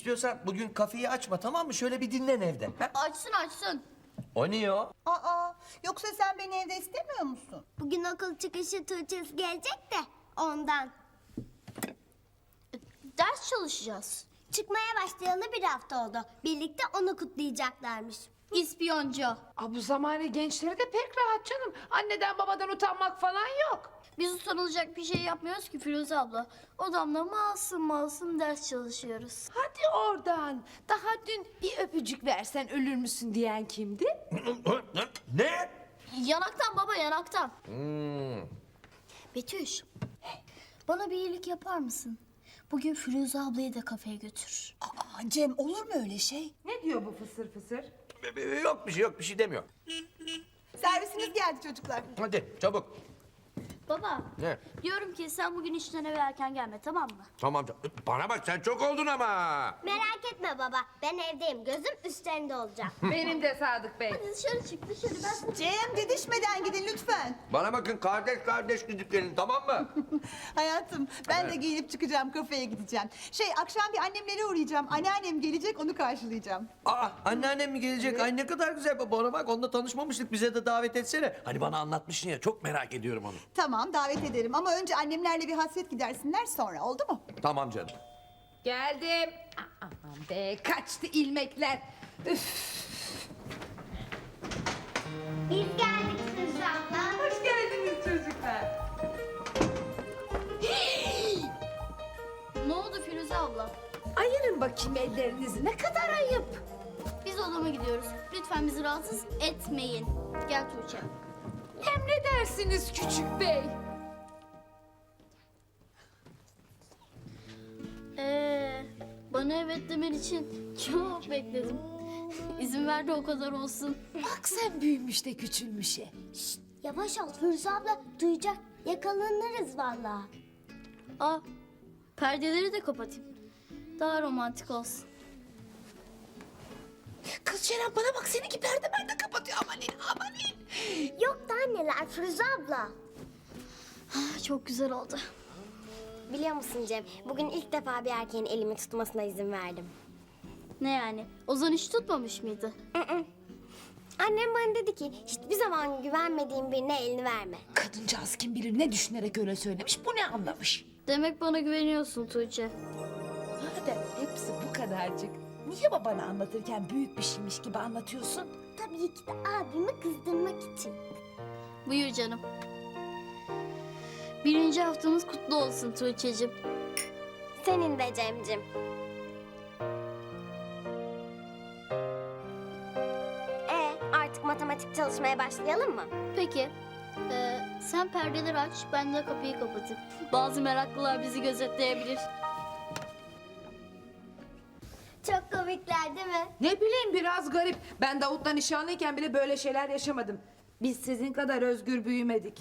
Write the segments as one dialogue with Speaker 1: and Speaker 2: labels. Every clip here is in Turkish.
Speaker 1: İstiyorsan bugün kafeyi açma, tamam mı? Şöyle bir dinlen evde. Ha?
Speaker 2: Açsın.
Speaker 1: O niye o?
Speaker 3: Aa, yoksa sen beni evde istemiyor musun?
Speaker 4: Bugün okul çıkışı Tuğçe'si gelecek de ondan.
Speaker 2: Ders çalışacağız.
Speaker 4: Çıkmaya başlayalı bir hafta oldu. Birlikte onu kutlayacaklarmış.
Speaker 2: İspiyoncu.
Speaker 5: Bu zamane gençleri de pek rahat canım. Anneden babadan utanmak falan yok.
Speaker 2: Biz utanılacak bir şey yapmıyoruz ki Firuze abla. Odamda masum ders çalışıyoruz.
Speaker 5: Hadi oradan. Daha dün bir öpücük versen ölür müsün diyen kimdi?
Speaker 1: Ne?
Speaker 2: Yanaktan baba, yanaktan. Betüş, bana bir iyilik yapar mısın? Bugün Firuze ablayı da kafeye götür.
Speaker 3: Aa, Cem olur mu öyle şey?
Speaker 5: Ne diyor bu fısır fısır?
Speaker 1: Yok bir şey demiyor.
Speaker 3: Servisiniz geldi çocuklar.
Speaker 1: Hadi çabuk.
Speaker 2: Baba,
Speaker 1: Ne?
Speaker 2: diyorum ki sen bugün işten eve erken gelme, tamam mı?
Speaker 1: Tamam. Bana bak, sen çok oldun ama.
Speaker 4: Merak etme baba. Ben evdeyim. Gözüm üstlerinde olacak.
Speaker 5: Benim de Sadık Bey.
Speaker 2: Hadi dışarı çık, dışarı. Ben
Speaker 3: Cem didişmeden gidin lütfen.
Speaker 1: Bana bakın, kardeş gidip gelin, tamam mı?
Speaker 3: Hayatım ben de giyinip çıkacağım, kafeye gideceğim. Akşam bir annemlere uğrayacağım. Anneannem gelecek, onu karşılayacağım.
Speaker 1: Aa, anneannem mi gelecek? Ay ne kadar güzel. Bana bak, onunla tanışmamıştık. Bize de davet etsene. Hani bana anlatmışsın ya, çok merak ediyorum onu.
Speaker 3: Tamam davet ederim ama önce annemlerle bir hasret gidersinler, sonra oldu mu?
Speaker 1: Tamam canım.
Speaker 5: Geldim. Aman be kaçtı ilmekler. Üf.
Speaker 4: Biz geldik Firuze abla.
Speaker 5: Hoş geldiniz çocuklar.
Speaker 2: Ne oldu Firuze abla?
Speaker 5: Ayırın bakayım ellerinizi. Ne kadar ayıp.
Speaker 2: Biz odama gidiyoruz. Lütfen bizi rahatsız etmeyin. Gel Tuğçe.
Speaker 5: Emredersiniz küçük bey.
Speaker 2: Bana evet demen için çok bekledim. İzin ver de o kadar olsun.
Speaker 5: Bak sen büyümüş de küçülmüşe.
Speaker 4: Yavaş ol Firuze abla. Duyacak. Yakalanırız vallahi.
Speaker 2: Aa, perdeleri de kapatayım. Daha romantik olsun.
Speaker 5: Kız Ceren bana bak seninki perde de kapatıyor. Amanin.
Speaker 4: Yok da anneler Firuze abla.
Speaker 2: Çok güzel oldu.
Speaker 4: Biliyor musun Cem? Bugün ilk defa bir erkeğin elimi tutmasına izin verdim.
Speaker 2: Ne yani? Ozan hiç tutmamış mıydı?
Speaker 4: Annem bana dedi ki hiçbir zaman güvenmediğin birine elini verme.
Speaker 5: Kadıncağız kim bilir ne düşünerek öyle söylemiş. Bu ne anlamış?
Speaker 2: Demek bana güveniyorsun Tuğçe.
Speaker 5: Madem hepsi bu kadarcık. Niye babana anlatırken büyük bir şeymiş gibi anlatıyorsun?
Speaker 4: Tabii ki de abimi kızdırmak için.
Speaker 2: Buyur canım. 1. haftamız kutlu olsun Tuğçe'cim.
Speaker 4: Senin de Cemcim. Artık matematik çalışmaya başlayalım mı?
Speaker 2: Peki. Sen perdeleri aç, ben de kapıyı kapatayım. Bazı meraklılar bizi gözetleyebilir.
Speaker 4: Çok komikler değil mi?
Speaker 5: Ne bileyim biraz garip. Ben Davut'la nişanlıyken bile böyle şeyler yaşamadım. Biz sizin kadar özgür büyümedik.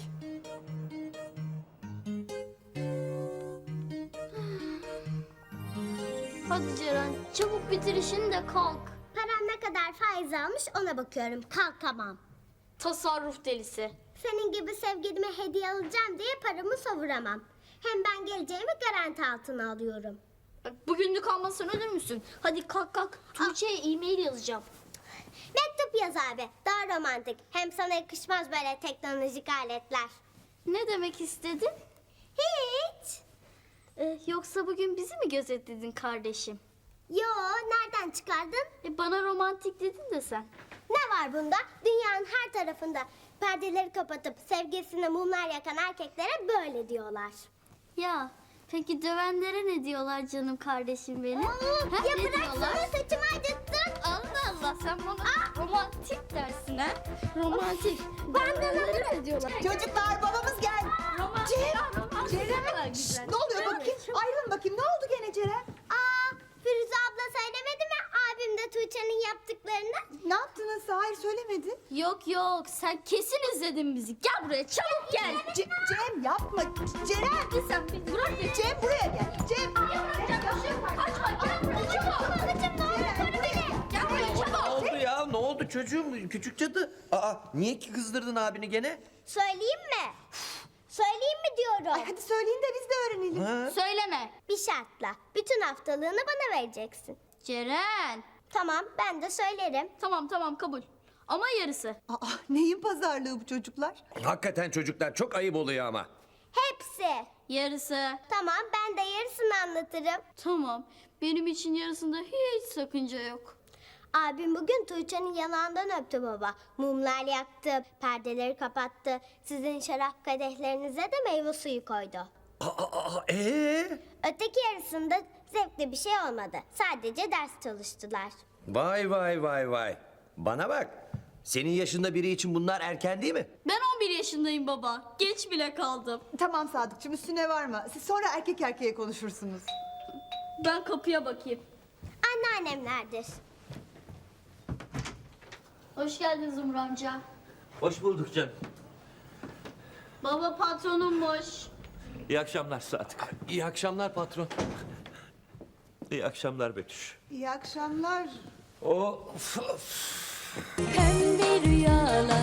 Speaker 2: Hadi Ceren, çabuk bitir işini de kalk.
Speaker 4: Param ne kadar faiz almış ona bakıyorum. Kalkamam.
Speaker 2: Tasarruf delisi.
Speaker 4: Senin gibi sevgilime hediye alacağım diye paramı savuramam. Hem ben geleceğimi garanti altına alıyorum.
Speaker 2: Bak, bugünlük almazsan ölür müsün? Hadi kalk. Tuğçe'ye e-mail yazacağım.
Speaker 4: Mektup yaz abi. Daha romantik. Hem sana yakışmaz böyle teknolojik aletler.
Speaker 2: Ne demek istedin?
Speaker 4: Hiç.
Speaker 2: Yoksa bugün bizi mi gözetledin kardeşim?
Speaker 4: Yo, nereden çıkardın?
Speaker 2: Bana romantik dedin de sen.
Speaker 4: Ne var bunda? Dünyanın her tarafında perdeleri kapatıp sevgilisine mumlar yakan erkeklere böyle diyorlar.
Speaker 2: Ya peki dövenlere ne diyorlar canım kardeşim benim? Ha,
Speaker 4: Ya
Speaker 2: ne
Speaker 4: bıraksana
Speaker 2: diyorlar?
Speaker 4: saçımı acıttın.
Speaker 2: Allah Allah, sen bana romantik dersin ha? Romantik.
Speaker 4: Ben de
Speaker 2: Dövenlere ne diyorlar?
Speaker 3: Çocuklar babamız geldi.
Speaker 2: Romantik.
Speaker 3: Ceren,
Speaker 2: güzel.
Speaker 3: ne oluyor bakayım? Ayrılın bakayım, ne oldu gene Ceren?
Speaker 4: Firuze abla söylemedi mi abim de Tuğçe'nin yaptıklarını?
Speaker 3: Ne yaptınız? Hayır söylemedi.
Speaker 2: Yok, sen kesin izledin bizi. Gel buraya, çabuk gel.
Speaker 3: Cem yapma. Ceren.
Speaker 2: Hadi sen beni bırak.
Speaker 3: Cem buraya gel. Cem.
Speaker 2: Kaçma, gel buraya çabuk. Gel buraya çabuk.
Speaker 1: Ne oldu ya? Ne oldu çocuğum? Küçük cadı. Aa, niye ki kızdırdın abini gene?
Speaker 4: Söyleyeyim mi? Söyleyeyim mi diyorum.
Speaker 3: Ay hadi söyleyin de biz de öğrenelim.
Speaker 1: Ha?
Speaker 2: Söyleme.
Speaker 4: Bir şartla bütün haftalığını bana vereceksin.
Speaker 2: Ceren.
Speaker 4: Tamam, ben de söylerim.
Speaker 2: Tamam kabul. Ama yarısı.
Speaker 3: Aa, neyin pazarlığı bu çocuklar?
Speaker 1: Hakikaten çocuklar çok ayıp oluyor ama.
Speaker 4: Hepsi.
Speaker 2: Yarısı.
Speaker 4: Tamam, ben de yarısını anlatırım.
Speaker 2: Tamam. Benim için yarısında hiç sakınca yok.
Speaker 4: Abim bugün Tuğçe'nin yanağından öptü baba. Mumlar yaktı, perdeleri kapattı. Sizin şarap kadehlerinize de meyve suyu koydu. Öteki yarısında zevkli bir şey olmadı. Sadece ders çalıştılar.
Speaker 1: Vay vay vay vay. Bana bak. Senin yaşında biri için bunlar erken değil mi?
Speaker 2: Ben 11 yaşındayım baba. Geç bile kaldım.
Speaker 3: Tamam Sadıkçım, üstüne varma. Siz sonra erkek erkeğe konuşursunuz.
Speaker 2: Ben kapıya bakayım.
Speaker 4: Anneannemlerdir.
Speaker 2: Hoş geldin Zumru amca.
Speaker 6: Hoş bulduk canım.
Speaker 2: Baba patronummuş.
Speaker 6: İyi akşamlar Sadık.
Speaker 1: İyi akşamlar patron.
Speaker 6: İyi akşamlar Betüş.
Speaker 3: İyi akşamlar.
Speaker 6: O
Speaker 7: Pembe rüyalar